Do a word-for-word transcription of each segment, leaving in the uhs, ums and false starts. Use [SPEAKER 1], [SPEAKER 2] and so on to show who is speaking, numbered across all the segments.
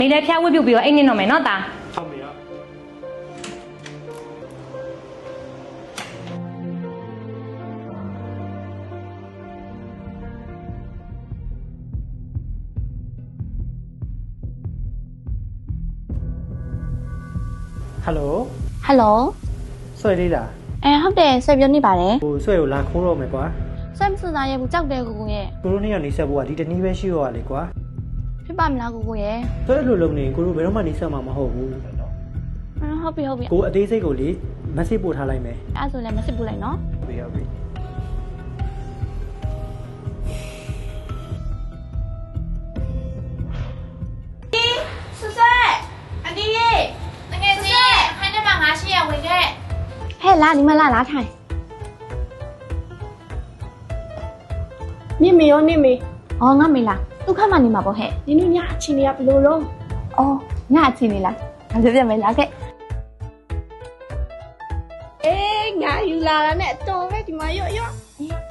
[SPEAKER 1] 你来偏会比比我一年都没那大。
[SPEAKER 2] ဟုတ်ပြီရော ဟယ်လို
[SPEAKER 3] ဟယ်လို
[SPEAKER 2] ဆွဲလေးလား
[SPEAKER 3] အဲဟုတ်တယ်ဆွဲပြောနေပါတယ်
[SPEAKER 2] ဟိုဆွဲကိုလာခိုးတော့မယ်ကွာ
[SPEAKER 3] ဆွဲမစသားရဲ့ဘူးကြောက်တယ်ကိုကိုရဲ့
[SPEAKER 2] ကိုတို့နှစ်ယောက်နေဆက်ဖို့ကဒီတနည်းပဲရှိရောလေကွာ
[SPEAKER 3] ဖြစ်ပါမလားကိုကိုရဲ့
[SPEAKER 2] ဆွဲလိုလုံးနေကိုတို့ဘယ်တော့မှနေဆက်မှာမဟုတ်ဘူး
[SPEAKER 3] ဟုတ်ပြီဟုတ်ပြီ
[SPEAKER 2] ကိုအသေးစိတ်ကိုလေမက်ဆေ့ပို့ထားလိုက်မယ်
[SPEAKER 3] အဲ့ဆိုလည်းမစစ်ဘူးလိုက်နော်
[SPEAKER 2] ဟုတ်ပြီဟုတ်ပြီ
[SPEAKER 4] ဆွဆွဲအန်ဒီရေတကယ်ကြီးခိုင်းတဲ့မှာငါရှိရဝင်ခဲ့
[SPEAKER 3] ဟဲ့လာဒီမလာလာထိုင်
[SPEAKER 5] နေမေရောနေမေ
[SPEAKER 3] အော်ငါမေးလားဒုက္ခမနေမှာပေါ့ဟဲ့
[SPEAKER 5] နင်တို့ညအချင်းတွေကဘယ်လိုလုံး
[SPEAKER 3] အော်ငါအချင်းနေလားငါပြပြမယ်လားခဲ့
[SPEAKER 5] အေးငါယူလာတာနဲ့အတော်ပဲဒီမှာရော့ရော့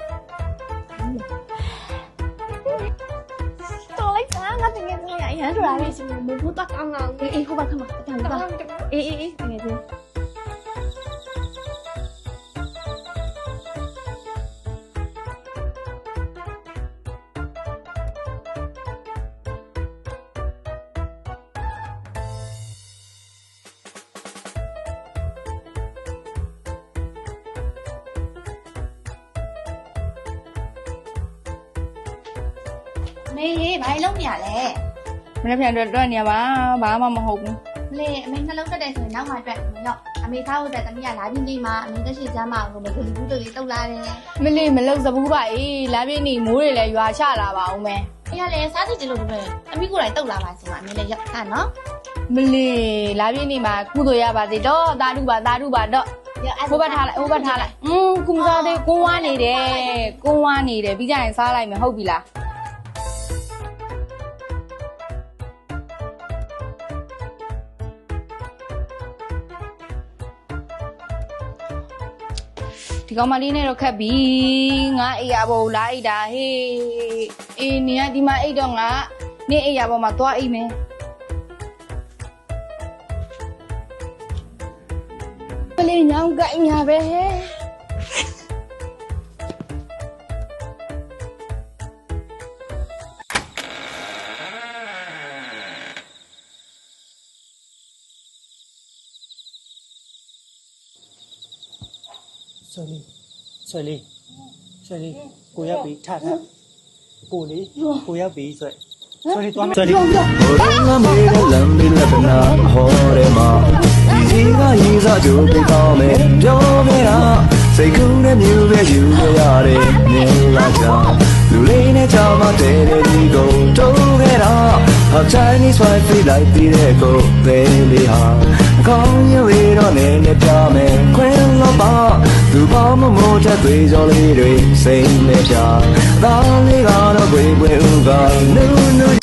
[SPEAKER 3] တော်လိုက်စားငါတကယ်ဆိုရရန်ဆိုတာ
[SPEAKER 5] ဒါလေးစီမဘူးတော့ကောင်းကောင်း
[SPEAKER 3] အေးအေးဟုတ်ပါခမအတန်
[SPEAKER 5] တော
[SPEAKER 3] ပါ
[SPEAKER 5] င်းတယ်
[SPEAKER 3] အေးအေးအေးတကယ်ချင်းမေးရေးဘာလုံးနေရလဲ
[SPEAKER 4] မနေ့ပြန်တော့တော့နေရပါဘာမှမဟုတ်ဘူး
[SPEAKER 3] လေအမေနှလုံးတက်တယ်ဆိုရင်နောက်မှအတွက်မရောအမေသားဟုတ်တဲ့တမီးကလာပြီးနေမှာအမေတက်ရှိစမ်းမအောင်လို့မဂလီဘူးတို့လေးတုတ်လာတယ်
[SPEAKER 4] မလေးမလောက်စဘူးပါအေးလာပြင်းနေမိုးတွေလည်းရွာချလာပါအောင်မယ်
[SPEAKER 3] ။အေးရလေစားစီကြလို့ပဲ။အမိကိုယ်တိုင်တုတ်လာပါစီမအမေလည်းရောက်တာနော်
[SPEAKER 4] မလေးလာပြင်းနေမှာကုသိုလ်ရပါစေတော့တာဓုပါတာဓုပါတော့
[SPEAKER 3] ။ရောက်အဲ့
[SPEAKER 4] ဟိုဘက်ထားလိုက်ဟိုဘက်ထားလိုက်อืมကုမစားသေးကိုဝါနေတယ်ကိုဝါနေတယ်ပြီးကြရင်စားလိုက်မယ်ဟုတ်ပြီလားဒီကောင်မလေးနဲ့တော့ခက်ပြီငါအိယာဘောလာအိတာဟေးအေးနေကဒီမှာအိတ်တော့ငါနေအိယာဘောမှာသွားအိတ်မယ်ပလေးညောင်းကိုင်းညာပဲဟဲ့
[SPEAKER 2] ဆွဲလေးဆွဲလေးဆွဲလေးကိုရောက်ပြီထထကိုလေးကိုရောက်ပြီဆွဲဆွဲလေးသွားမယ်ဆွဲလေး
[SPEAKER 6] ဘုရားမေးတဲ့လမ်းလေးလက်ပနာဟောတယ်မှာဒီကရေးစားကြိုးပေးကောင်းမယ်ပြောခဲ့တာစိတ်ကူးတဲ့မျိုးပဲယူရရတယ်မြင်လာကြလူလေးနဲ့ကြောင်မတဲတဲ့ဒီကိုတိုးခဲ့တာဟာ Chinese wife လိုက်ပြီးတဲ့ကိုသေးလေးဟာအကောင်းရွေတော့နေနဲ့ပြမယ်ခွင်လို့ပါသူပေါင်းမမိုးတဲ့သွေးကြောလေးတွေစိတ်နဲ့ပြသားလေးကတော့ွေပွေဥကနူးနူး